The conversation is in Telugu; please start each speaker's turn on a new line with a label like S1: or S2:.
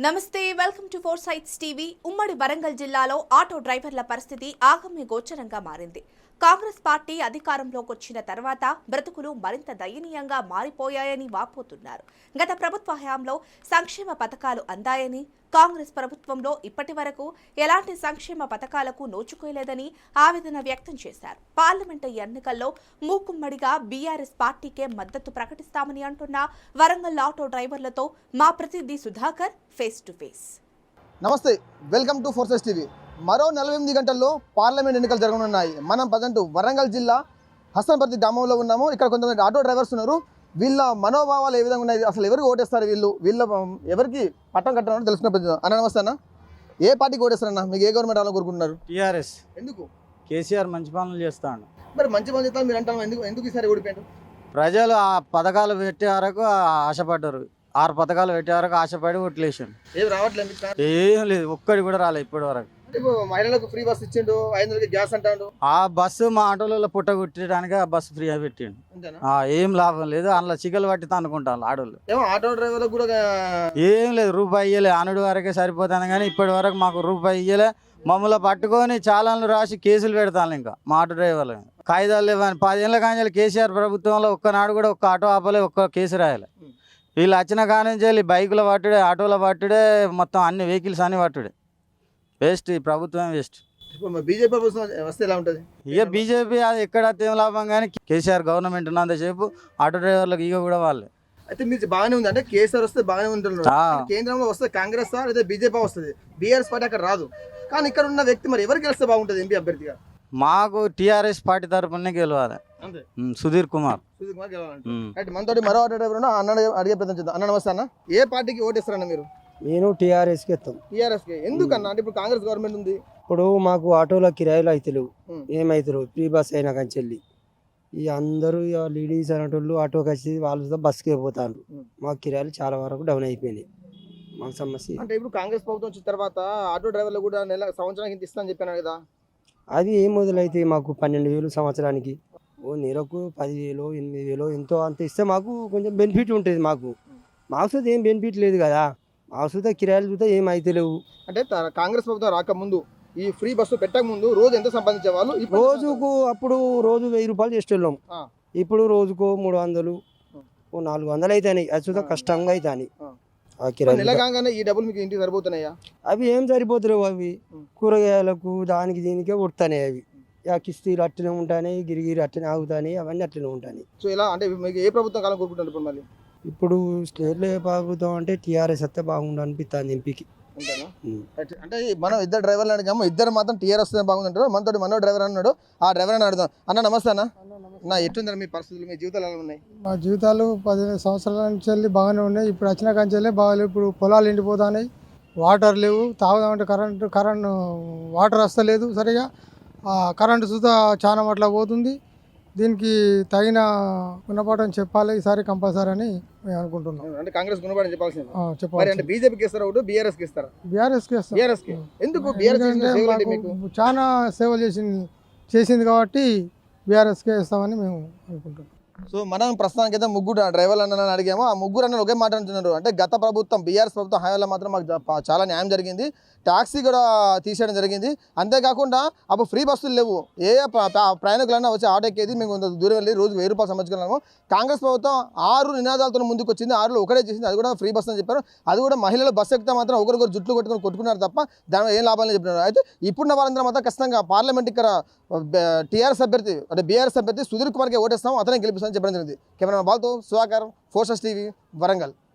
S1: నమస్తే welcome to four sights TV. ఉమ్మడి వరంగల్ జిల్లాలో ఆటో డ్రైవర్ల పరిస్థితి ఆగమ్య గోచరంగా మారింది. కాంగ్రెస్ పార్టీ అధికారంలోకి వచ్చిన తర్వాత బ్రతుకులు మరింత దయనీయంగా మారిపోయాయని వాపోతున్నారు. గత ప్రభుత్వ హయాంలో సంక్షేమ పథకాలు అందాయని, కాంగ్రెస్ ప్రభుత్వంలో ఇప్పటి వరకు ఎలాంటి సంక్షేమ పథకాలకు నోచుకోలేదని ఆవేదన వ్యక్తం చేశారు. పార్లమెంటు ఎన్నికల్లో మూకుమ్మడిగా బీఆర్ఎస్ పార్టీకే మద్దతు ప్రకటిస్తామని అంటున్న వరంగల్ ఆటో డ్రైవర్లతో మా ప్రతినిధి సుధాకర్ ఫేస్ టు ఫేస్.
S2: నమస్తే, welcome to four sights TV. మరో 48 గంటల్లో పార్లమెంట్ ఎన్నికలు జరగనున్నాయి. మనం ప్రజెంట్ వరంగల్ జిల్లా హసన్పర్తి గ్రామంలో ఉన్నాము. ఇక్కడ కొంతమంది ఆటో డ్రైవర్స్ ఉన్నారు. వీళ్ళ మనోభావాలు ఏ విధంగా ఉన్నాయి, అసలు ఎవరికి ఓటేస్తారు, వీళ్ళ ఎవరికి పట్టం కట్టాలని తెలుసుకునే ప్రయత్నం. అన్న నమస్తే అన్న, ఏ పార్టీకి ఓటేస్తారన్న? మీకు ఏ గవర్నమెంట్ రావాలని కోరుకుంటున్నారు?
S3: టీఆర్ఎస్.
S2: ఎందుకు?
S3: కేసీఆర్ మంచి పనులు చేస్తాడు.
S2: మరి మంచి పనులు చేస్తాను మీరు అంటారు, ఎందుకు ఈసారి ఓడిపోయారు?
S3: ప్రజలు ఆ పథకాలు పెట్టే వరకు ఆశపడ్డారు. 6 పథకాలు పెట్టే వరకు ఆశపడి ఓట్లేసాను.
S2: ఏం రావట్లేదు,
S3: ఏం లేదు, ఒక్కడి కూడా రాలేదు ఇప్పటి వరకు.
S2: మహిళలకు ఫ్రీ బస్ ఇచ్చిండు, 500 గ్యాస్ అంటాడు.
S3: ఆ బస్సు మా ఆటోలలో పుట్ట కుట్టడానికి ఆ బస్సు ఫ్రీ పెట్టిండు. ఏం లాభం లేదు, అందులో చికెలు పట్టి అనుకుంటాను ఆడోళ్ళు.
S2: ఆటో డ్రైవర్లకు కూడా
S3: ఏం లేదు, రూపాయి ఇయ్యలే. అనుడి వరకే సరిపోతాను కానీ ఇప్పటి వరకు మాకు రూపాయి ఇయ్యలే. మమ్మల్ని పట్టుకొని చాలాను రాసి కేసులు పెడతాను. ఇంకా మా ఆటో డ్రైవర్లు కాయిదాలు లేవని 10 ఏళ్ళ కానీ కేసీఆర్ ప్రభుత్వంలో ఒక్కనాడు కూడా ఒక్క ఆటో ఆపలే, ఒక్క కేసు రాయాలి. వీళ్ళు వచ్చిన కానీ బైకుల పట్టుడే, ఆటోల పట్టుడే, మొత్తం అన్ని వెహికల్స్ అన్ని పట్టుడే. వేస్ట్, ఈ ప్రభుత్వం వేస్ట్.
S2: బీజేపీ ప్రభుత్వం వస్తే ఎలా ఉంటుంది?
S3: ఇక బీజేపీ అది ఎక్కడ ఏం లాభం కానీ కేసీఆర్ గవర్నమెంట్ ఉన్నంతసేపు ఆటో డ్రైవర్లకు ఇక కూడా వాళ్ళే.
S2: అయితే మీరు బాగానే ఉంది అంటే కేసీఆర్ వస్తే బాగానే ఉంటున్నారు. కేంద్రంలో వస్తే కాంగ్రెస్ లేదా బీజేపీ వస్తుంది, బీఆర్ఎస్ పార్టీ అక్కడ రాదు. కానీ ఇక్కడ ఉన్న వ్యక్తి మరి ఎవరు గెలిస్తే బాగుంటుంది ఎంపీ అభ్యర్థిగా?
S3: మాకు టీఆర్ఎస్ పార్టీ తరఫునే గెలవాలి. సుధీర్ కుమార్
S2: గెలవాలి. మనతోటి మరో ఆటో డ్రైవర్ అన్న అడిగే ప్రయత్నం చేద్దాం. అన్న నమస్తే అన్న, ఏ పార్టీకి ఓటేస్తారన్న మీరు?
S4: నేను టీఆర్ఎస్కి ఎత్తాం.
S2: టీఆర్ఎస్కి ఎందుకన్నా? అంటే ఇప్పుడు కాంగ్రెస్ గవర్నమెంట్ ఉంది.
S4: ఇప్పుడు మాకు ఆటోలో కిరాయిలు అవుతలేవు, ఏమవుతారు ఫ్రీ బస్ అయినా కంచెల్లి. ఇక అందరూ ఇక లేడీస్ అనేటోళ్ళు ఆటోకి వచ్చి వాళ్ళతో బస్కే పోతారు. మాకు కిరాయిలు చాలా వరకు డౌన్ అయిపోయినాయి. మాకు సమస్య
S2: అంటే ఇప్పుడు కాంగ్రెస్ ప్రభుత్వం వచ్చిన తర్వాత ఆటో డ్రైవర్లు కూడా సంవత్సరానికి ఇంత ఇస్తాను చెప్పాను కదా.
S4: అది ఏం మొదలైతే మాకు 12,000 సంవత్సరానికి, ఓ నెలకు 10,000 8,000 ఎంతో అంత ఇస్తే మాకు కొంచెం బెనిఫిట్ ఉంటుంది. మాకు చూస్తే ఏం బెనిఫిట్ లేదు కదా. మాకు చూస్తే కిరాయిలు చూస్తే ఏం అయితలేవు.
S2: అంటే కాంగ్రెస్ ప్రభుత్వం రాకముందు ఈ ఫ్రీ బస్సు పెట్టక ముందు రోజు ఎంత సంపాదించే వాళ్ళు?
S4: రోజుకు అప్పుడు రోజు 1,000 రూపాయలు చేసేవాళ్ళం. ఇప్పుడు రోజుకో 300 ఓ 400 అవుతాయి. అది చూస్తే కష్టంగా అవుతాయి.
S2: నెలగానే ఈ డబ్బులు మీకు ఇంటికి సరిపోతున్నాయా?
S4: అవి ఏం సరిపోతలేవు. అవి కూరగాయలకు దానికి దీనికే ఉడతాయి. అవి కిస్తీలు అట్లనే ఉంటాయి, గిరిగిరి అట్లనే ఆగుతాయి, అవన్నీ అట్లనే ఉంటాయి.
S2: సో ఇలా అంటే మీకు ఏ ప్రభుత్వం కాలం కోరుకుంటారు ఇప్పుడు? మళ్ళీ
S4: ఇప్పుడు స్టేట్లో ఏ ప్రభుత్వం అంటే టీఆర్ఎస్ వస్తే బాగుండు అనిపిస్తుంది ఎంపీకి.
S2: అంటే మనం ఇద్దరు డ్రైవర్లు అడిగాము, ఇద్దరు మాత్రం టీఆర్ఎస్ వస్తే బాగుందంటారు. మనతో మనో డ్రైవర్ అన్నాడు, ఆ డ్రైవర్ అని అడుగుదాం. అన్న నమస్తే అన్న. నా ఎట్లుందా మీ పరిస్థితులు, మీ జీవితాలు ఎలా ఉన్నాయి?
S5: మా జీవితాలు 15 సంవత్సరాల నుంచి వెళ్ళి బాగానే ఉన్నాయి. ఇప్పుడు వచ్చిన కంచెలే బాగాలేవు. ఇప్పుడు పొలాలు ఎండిపోతున్నాయి, వాటర్ లేవు. తాగుదామంటే కరెంటు వాటర్ వస్తలేదు సరిగా. కరెంటు చూద్దా చాలా మట్లా పోతుంది. దీనికి తగిన గుణపాఠం చెప్పాలి ఈసారి కంపల్సరీ అని మేము అనుకుంటున్నాం.
S2: అంటే కాంగ్రెస్ గుణపాఠం చెప్పాల్సింది
S5: చెప్పాలి.
S2: అంటే బీజేపీకి ఇస్తారా ఓటు, బీఆర్ఎస్కి ఇస్తారా?
S5: బీఆర్ఎస్కి ఇస్తాం.
S2: బీఆర్ఎస్కి ఎందుకు? బీఆర్ఎస్
S5: చాలా సేవలు చేసింది కాబట్టి బీఆర్ఎస్కే ఇస్తామని మేము అనుకుంటున్నాం.
S2: సో మనం ప్రస్తుతానికి అయితే ముగ్గురు డ్రైవర్లు అన్న అడిగాము. ఆ ముగ్గురు అన్న ఒకే మాట అంటున్నారు. అంటే గత ప్రభుత్వం బీఆర్ఎస్ ప్రభుత్వం హయాంలో మాత్రం మాకు చాలా న్యాయం జరిగింది, ట్యాక్సీ కూడా తీసేయడం జరిగింది. అంతేకాకుండా అప్పుడు ఫ్రీ బస్సులు లేవు. ఏ ప్రయాణికులన్నా వచ్చి ఆటో ఎక్కేది, మేము దూరం వెళ్ళి రోజు 1,000 రూపాయలు సంపాదించుకున్నాము. కాంగ్రెస్ ప్రభుత్వం 6 నినాదాలతో ముందుకు వచ్చింది, 6లో ఒకటే చేసింది, అది కూడా ఫ్రీ బస్ అని చెప్పారు. అది కూడా మహిళలు బస్సు ఎక్కితే మాత్రం ఒకరికొకరు జుట్లు కొట్టుకున్నారు తప్ప దానివల్ల ఏం లాభాలని చెప్పినారు. అయితే ఇప్పుడున్న వాళ్ళందరూ మాత్రం ఖచ్చితంగా పార్లమెంట్ ఇక్కడ టీఆర్ఎస్ అభ్యర్థి అంటే బీఆర్ఎస్ అభ్యర్థి సుధీర్ కుమార్కి ఓటేస్తాం, అతనే గెలిపిస్తామని చెప్పడం జరిగింది. కెమెరా బాల్తో Sudhakar, four sights TV, Warangal.